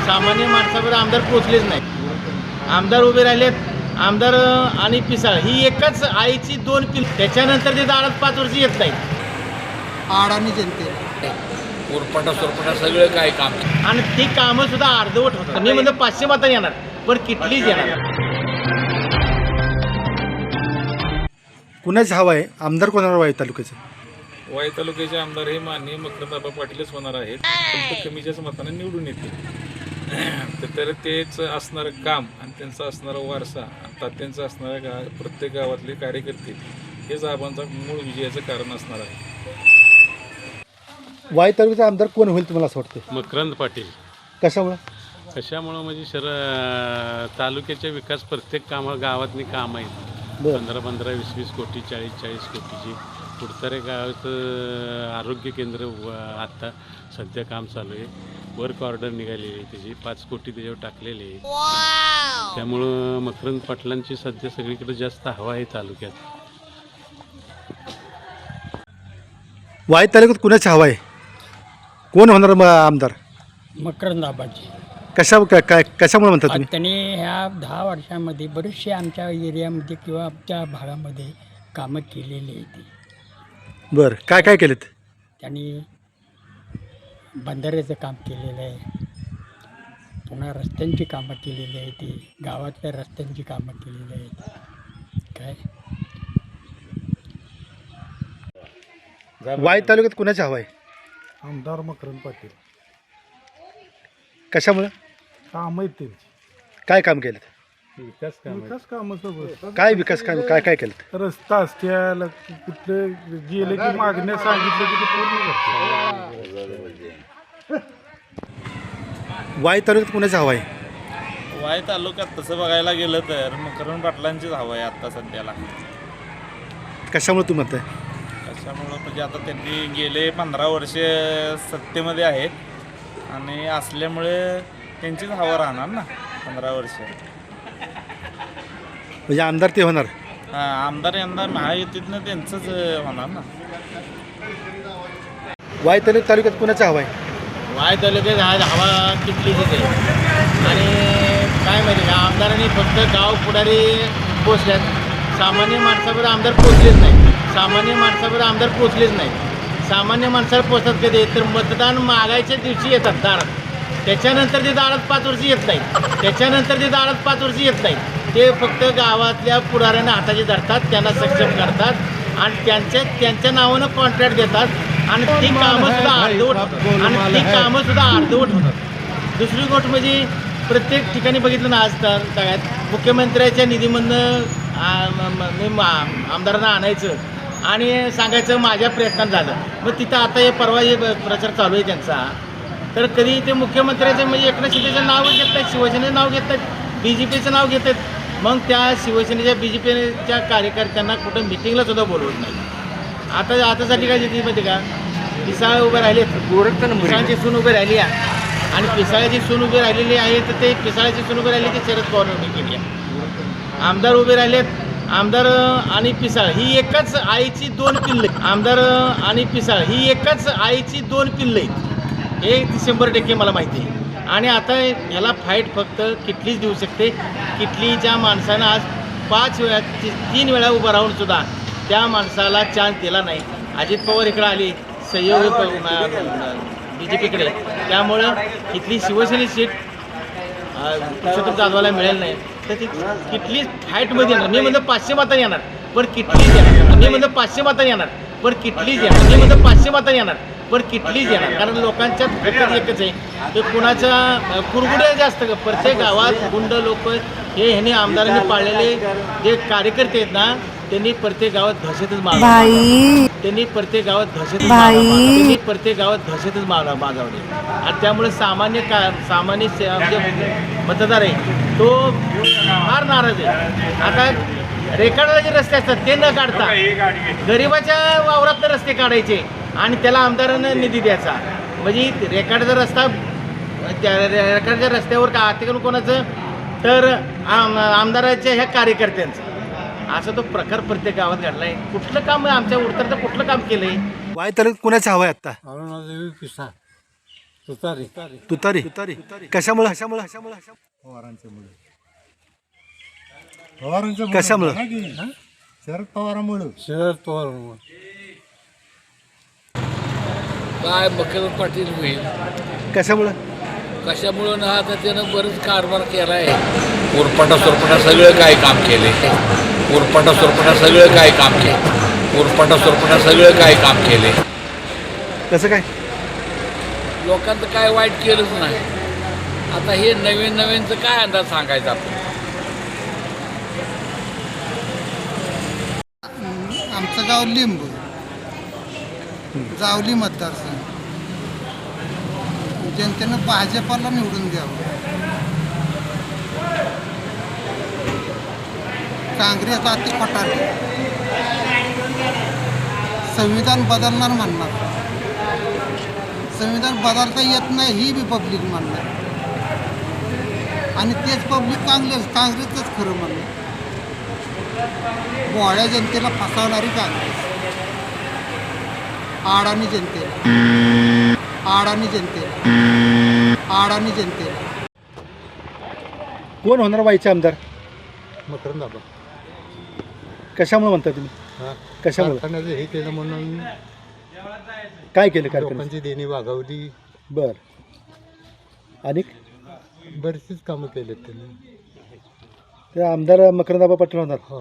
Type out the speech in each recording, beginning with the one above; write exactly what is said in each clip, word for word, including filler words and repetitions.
सामान्य माणसावर आमदार पोचलेच नाही. आमदार उभे राहिलेत, आमदार आणि पिसाळ ही एकच आईची दोन पिल. त्याच्यानंतर ते दारात पाच वर्ष येत नाहीत. आडाणी जनते उरपटा सुरपटा सगळं काय काम आणि ती कामं सुद्धा अर्धवट होतात. मी म्हणतो पाचशे मतांनी येणार, पण किटलीच येणार. कुणाच हवा आहे आमदार कोणावर वाई तालुक्याचं? वाई तालुक्याचे आमदार हे माननीय मकरंद पाटीलच होणार आहेत. फक्त कमीच्याच मताने निवडून येतील. तर तेच असणारं काम आणि त्यांचा असणारा वारसा आणि तात्यांचा असणारा गा प्रत्येक गावातले कार्यकर्ते हेच आबांचा मूळ विजयाचं कारण असणार आहे. वाई तालुक्याचा आमदार कोण होईल तुम्हाला असं वाटतं? मकरंद पाटील. कशामुळं? कशामुळं म्हणजे शर तालुक्याच्या विकास प्रत्येक कामा गावातली कामं आहेत. बरं. पंधरा पंधरा वीस वीस कोटी चाळीस चाळीस कोटीची. कुडतरे गावाचं आरोग्य केंद्र व आत्ता सध्या काम चालू आहे. वर्क ऑर्डर निघालेली आहे त्याची, पाच कोटी त्याच्यावर टाकलेले आहे. त्यामुळं मकरंद पाटलांची सध्या सगळीकडे जास्त हवा आहे तालुक्यात. वाई तालुक्यात कुणाची हवा आहे? कोण होणार मग आमदार? मकरंद आबाची. कशा काय काय कशामुळे म्हणता तुम्ही? त्यांनी ह्या दहा वर्षामध्ये बरेचसे आमच्या एरियामध्ये किंवा आमच्या भागामध्ये कामं केलेली आहेत. बरं, काय काय केलेत? त्यांनी बंधाऱ्याचं काम केलेलं आहे, पुन्हा रस्त्यांची कामं केलेली आहेत, ती गावातल्या रस्त्यांची कामं केलेली आहेत. काय वाई तालुक्यात कुणाची हवा आहे? आमदार मकरंद पाटील. कशामुळं? काम आहेत त्यांची, काय काम केलं? विकास कामं सगळं. काय विकास काम काय काय केलं? रस्ता असत्याला कुठले गेले की मागण्या सांगितलं की ते पूर्ण करतात. वाई तालुक्यात कुणाची हवा आहे? वाई तालुक्यात तसं बघायला गेलं तर मकरंद पाटलांचीच हवं आहे आत्ता सध्याला. कशामुळे तू म्हणताय? त्याच्यामुळं म्हणजे आता त्यांनी गेले पंधरा वर्षे सत्तेमध्ये आहेत आणि असल्यामुळे त्यांचीच हवा राहणार ना पंधरा वर्ष. म्हणजे आमदार ते होणार? हां, आमदार यंदा महायुतीतनं त्यांचंच होणार ना. वाई तालुक्यात तालुक्यात कुणाची हवा आहे? वाय तालुक्यात हा हवा किटलीच आहे. आणि काय माहिती का, आमदारांनी फक्त गाव पुढारी पोचल्यात, सामान्य माणसावर आमदार पोचलेच नाही. सामान्य माणसावर आमदार पोचलेच नाही. सामान्य माणसाला पोचतात कधी तर मतदान मागायच्या दिवशी येतात दारात. त्याच्यानंतर ते दारात पाच वर्ष येत नाहीत. त्याच्यानंतर ते दारात पाच वर्ष येत नाहीत. ते फक्त गावातल्या पुढाऱ्यांना हाताचे धरतात, त्यांना सक्षम करतात आणि त्यांच्या त्यांच्या नावानं कॉन्ट्रॅक्ट देतात आणि ती कामंसुद्धा अर्धवट होतात. आणि ती कामंसुद्धा अर्धवट होतात. दुसरी गोष्ट म्हणजे प्रत्येक ठिकाणी बघितलं ना, आज काळात मुख्यमंत्र्याच्या निधीमधनं आमदारांना आणायचं आणि सांगायचं माझ्या प्रयत्नात झालं. मग तिथं आता हे परवा हे प्रचार चालू आहे त्यांचा, तर कधी ते मुख्यमंत्र्याचं म्हणजे एकनाथ शिंदेचं नाव घेत आहेत, शिवसेनेचं नाव घेत आहेत, बी जे पीचं नाव घेत आहेत. मग त्या शिवसेनेच्या बी जे पीच्या कार्यकर्त्यांना कुठं मिटिंगला सुद्धा बोलवत नाही. आता आतासाठी काय जिथे माहिती का, पिसाळ उभे राहिले, पिसाळाची सून उभी राहिली आहे आणि पिसाळ्याची सून उभी राहिलेली आहे, तर ते पिसाळ्याची सून उभी राहिली ती शरद पवार उभी केली आहे. आमदार उभे राहिलेत, आमदार आणि पिसाळ ही एकच आईची दोन पिल्ले. आमदार आणि पिसाळ ही एकच आईची दोन पिल्ले आहेत, हे शंभर टक्के मला माहिती आहे. आणि आता याला फाईट फक्त किटलीच देऊ शकते. किटलीच्या माणसानं आज पाच वेळा तीन वेळा उभं राहून सुद्धा त्या माणसाला चान्स दिला नाही. अजित पवार इकडं आली सहयोग बी जे पीकडे, त्यामुळं इथली शिवसेने सीट पुरुषोत्तम जाधवाला मिळेल नाही. तर ती किटलीच फाईटमध्ये येणार. मी म्हणतो पाचशे मतांनी येणार, पण किटलीच येणार. मी म्हणतो पाचशे मतांनी येणार, पण किटलीच येणार. मी म्हणतो पाचशे मतांनी येणार, पण किटलीच येणार. कारण लोकांच्यात फक्त एकच आहे, ते कुणाच्या कुरगुड्या जास्त. प्रत्येक गावात गुंड लोक हे ह्यांनी आमदारांनी पाळलेले जे कार्यकर्ते आहेत ना, त्यांनी प्रत्येक गावात दहशतच माजवली. त्यांनी प्रत्येक गावात दहशत त्यांनी प्रत्येक गावात दहशतच माग माजवली. आणि त्यामुळे सामान्य का सामान्य जे मतदार आहे तो फार नाराज आहे. आता रेखाडाला जे रस्ते असतात ते न काढता गरिबाच्या वावरातले रस्ते काढायचे आणि त्याला आमदारानं निधी द्यायचा. म्हणजे रेखाडाचा रस्ता त्या रेखाडच्या रस्त्यावर का अतिक्रमण कोणाचं, तर आम आमदाराच्या ह्या कार्यकर्त्यांचं. असा तो प्रकार प्रत्येक गावात घडलाय. कुठलं काम आमच्या उडतर तर कुठलं काम केलंय? वाई तालुक्यात कुणाची हवा आहे आता? अरुणादेवी पिसाळ. तुतारी तुतारी तुतारी कशामुळे कशामुळे पवारांच्यामुळे पवारांच्या कशामुळं शरद पवारांमुळे शरद पवार काय मकरंद पाटील होईल कशामुळं कशामुळं ना आता त्यानं बरंच कारभार केला आहे उरपाटा सुरपाटा सगळं काय काम केले उरपाटा सुरपाटा सगळं काय काम केले उरपाटा सुरपाटा सगळं काय काम केले कसं काय लोकांचं काय वाईट केलंच नाही आता हे नवीन नवीनचं काय अंदाज सांगायचा आपण आमचं गाव लिंब जावली मतदारसंघ जनतेनं भाजपाला निवडून द्यावं काँग्रेस अति पटाले संविधान बदलणार म्हणणार संविधान बदलता येत नाही ही बी पब्लिक म्हणणार आणि तेच पब्लिक काँग्रेस काँग्रेसच खरं म्हणणार भोळ्या जनतेला फसवणारी काँग्रेस आडाणी जनतेला आडाणी जनतेला आडाणी जनतेला कोण होणार वाईचे आमदार मकरंद बाबा कशामुळे म्हणता तुम्ही कशामुळे कारखान्याचं हे केलं म्हणून काय केलं कार्यक्रम लोकांची देणी वागवली बर आणि बरीचशीच कामं केलेत त्यांनी ते आमदार मकरंदाबा पाटील होणार हो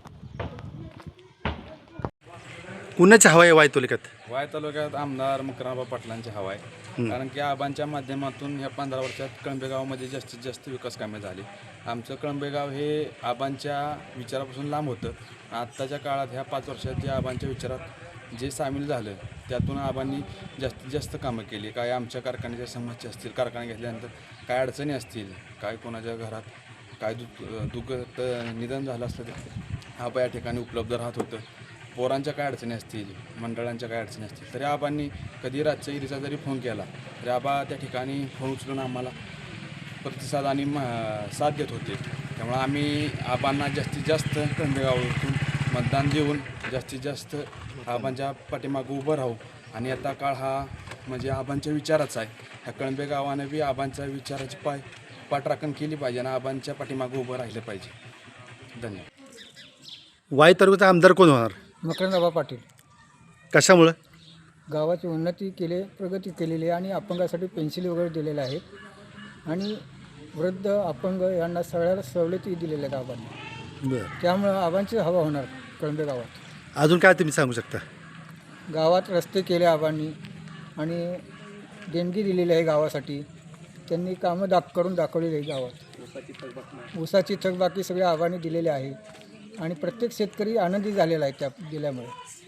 कुणाची हवा आहे वाई तालुक्यात वाय तालुक्यात आमदार मकरंदाबा पाटलांची हवा आहे कारण की आबांच्या माध्यमातून ह्या पंधरा वर्षात कळंबेगावमध्ये जास्तीत जास्त विकास कामे झाली आमचं कळंबेगाव हे आबांच्या विचारापासून लांब होतं आत्ताच्या काळात ह्या पाच वर्षात जे आबांच्या विचारात जे सामील झालं त्यातून आबांनी जास्तीत जास्त कामं केली काय आमच्या कारखान्याच्या समस्या असतील कारखाने घेतल्यानंतर काय अडचणी असतील काय कोणाच्या घरात काय दु दुःख निधन झालं असलं तर आबा या ठिकाणी उपलब्ध राहत होतं पोरांच्या काय अडचणी असतील मंडळांच्या काय अडचणी असतील तरी आबांनी कधी रातच्या इरीचा जरी फोन केला तरी आबा त्या ठिकाणी फोन उचलून आम्हाला प्रतिसाद आणि म साथ देत होते त्यामुळे आम्ही आबांना जास्तीत जास्त कळंबेगावातून मतदान देऊन जास्तीत जास्त आबांच्या पाठीमागं उभं राहू आणि आता काळ हा म्हणजे आबांच्या विचाराचा आहे ह्या कळंबे गावानं बी आबांच्या विचाराची पाय पाठराखण केली पाहिजे आणि आबांच्या पाठीमागं उभं राहिलं पाहिजे धन्यवाद वाई तालुक्याचा आमदार कोण होणार मकरंदाबा पाटील कशामुळं गावाची उन्नती केली प्रगती केलेली आहे आणि अपंगासाठी पेन्सिल वगैरे दिलेल्या आहेत आणि वृद्ध अपंग यांना सगळ्याला सवलती दिलेल्या आहेत आबांनी बरं त्यामुळं आबांची हवा होणार कळंबे गावात अजून काय तुम्ही सांगू शकता गावात रस्ते केले आबांनी आणि देणगी दिलेली आहे गावासाठी त्यांनी कामं दाख करून दाखवलेली आहे गावात ऊसाची थकबाकी सगळे आबांनी दिलेले आहे आणि प्रत्येक शेतकरी आनंदी झालेला आहे त्या दिल्यामुळे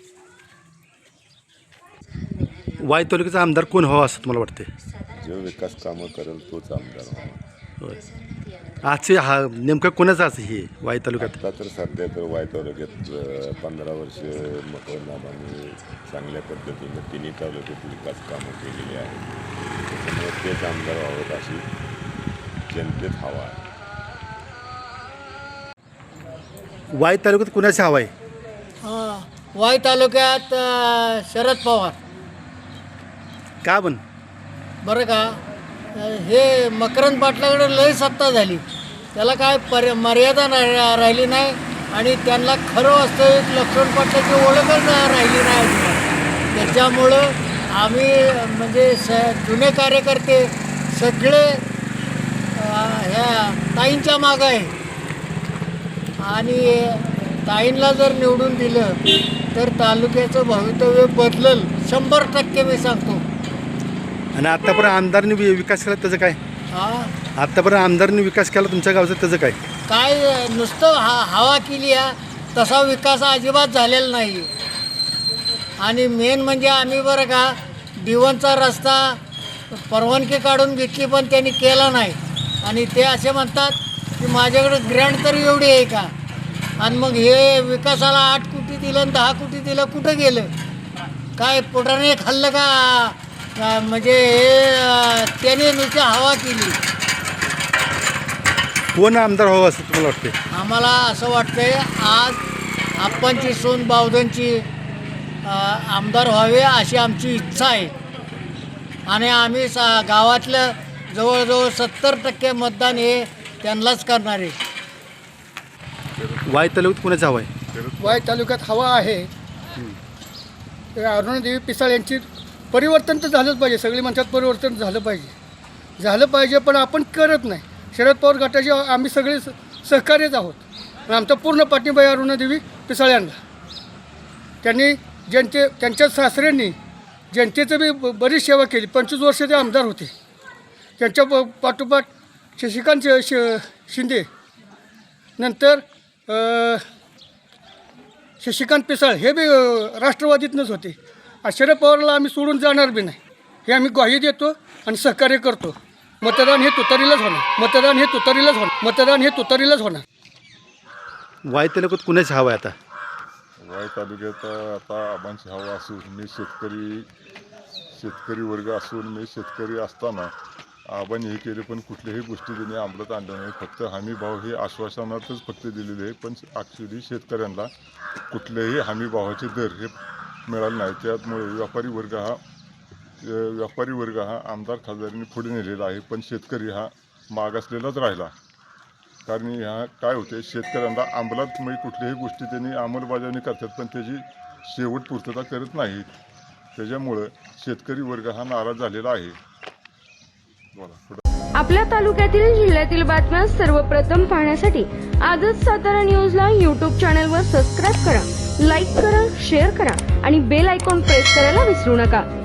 वाई तालुक्याचा आमदार कोण व्हावा असं तुम्हाला वाटते जो विकास कामं करेल तोच आमदार व्हावा होय आजचे हा नेमकं कोणाचं असं हे वाई तालुक्यात आता तर सध्या तर वाय तालुक्यात अ, पंधरा वर्ष मकरंदाबांनी चांगल्या पद्धतीनं तिन्ही तालुक्यात विकास कामं केलेली आहेत त्याच्यामुळे तेच आमदार व्हावेत अशी जनतेत हवा आहे वाई तालुक्यात कुणाची हवा आहे वाई तालुक्यात अ, शरद पवार का पण बरं का अ, हे मकरंद पाटलाकडे लय सत्ता झाली त्याला काय पर मर्यादा नाही राहिली नाही आणि त्यांना खरं वास्तविक लक्ष्मण पाटलाची ओळखच राहिली नाही अजिबात. त्याच्यामुळं आम्ही म्हणजे स जुने कार्यकर्ते सगळे अ, ह्या ताईंच्या मागं आहे आणि ताईंला जर निवडून दिलं तर तालुक्याचं भवितव्य बदलल शंभर टक्के मी सांगतो. आणि आत्तापर्यंत आमदारनी वि- विकास केला त्याचं काय हा आत्तापर्यंत आमदारनी विकास केला तुमच्या गावचा त्याचं काय काय नुसतं हा हवा केली आहे तसा विकास अजिबात झालेला नाही. आणि मेन म्हणजे आम्ही बरं का दिवनचा रस्ता परवानगी काढून घेतली पण त्यांनी केला नाही आणि ते असे म्हणतात की माझ्याकडे ग्रँड तर एवढी आहे का आणि मग हे विकासाला आठ कोटी दिलं आणि दहा कोटी दिलं कुठं गेलं काय पोटाने खाल्लं का का म्हणजे हे अं, त्याने नुसती हवा केली. कोण आमदार व्हावं असं तुम्हाला वाटते आम्हाला असं वाटतंय आज आप्पांची सोन बावधनची अं, आमदार व्हावे अशी आमची इच्छा आहे. आणि आम्ही सा गावातलं जवळजवळ सत्तर टक्के मतदान हे त्यांनाच करणार आहे. वाई तालुक्यात कुणाची हवा आहे? वाई तालुक्यात हवा आहे अरुणादेवी पिसाळ यांची. परिवर्तन तर झालंच पाहिजे, सगळी म्हणतात परिवर्तन झालं पाहिजे झालं पाहिजे पण आपण करत नाही. शरद पवार गटाचे आम्ही सगळे स सहकार्यच आहोत आणि आमचा पूर्ण पाठिंबा आहे अरुणादेवी पिसाळ यांना. त्यांनी जनते त्यांच्या सासऱ्यांनी जनतेचं बी ब- बरीच सेवा केली. पंचवीस वर्ष ते आमदार होते. त्यांच्या प पाठोपाठ शशिकांत श श- शिंदे नंतर अ, शशिकांत पिसाळ हे बी अ, राष्ट्रवादीतनंच होते. आणि शरद पवारला आम्ही सोडून जाणार बी नाही हे आम्ही ग्वाही देतो आणि सहकार्य करतो. मतदान हे तुतारीलाच होणार मतदान हे तुतारीलाच होणार मतदान हे तुतारीलाच होणार. वाई तालुक्यात कुणाची हवा आहे आता? वाई तालुक्यात आता आबांची हवा असून मी शेतकरी शेतकरी वर्ग असून मी शेतकरी असताना आबांनी हे केले पण कुठल्याही गोष्टी त्यांनी अंमलात आणल्या नाही. फक्त हमी भाव हे आश्वासनातच फक्त दिलेले आहे पण ॲक्च्युली शेतकऱ्यांना कुठल्याही हमी भावाचे दर हे मिळाले नाही. त्यामुळे व्यापारी वर्ग हा व्यापारी वर्ग हा आमदार खासदारांनी पुढे नेलेला आहे पण शेतकरी हा मागासलेलाच राहिला. कारण ह्या काय होते शेतकऱ्यांना अंमलात म्हणजे कुठल्याही गोष्टी त्यांनी अंमलबजावणी करतात पण त्याची शेवट पूर्तता करत नाहीत. त्याच्यामुळं शेतकरी वर्ग हा नाराज झालेला आहे. बोला. आपल्या तालुक्यातील जिल्ह्यातील बातम्या सर्वप्रथम पाहण्यासाठी आजच सातारा न्यूजला यूट्यूब चॅनलवर सबस्क्राईब करा, लाईक करा, शेअर करा आणि बेल आयकॉन प्रेस करायला विसरू नका.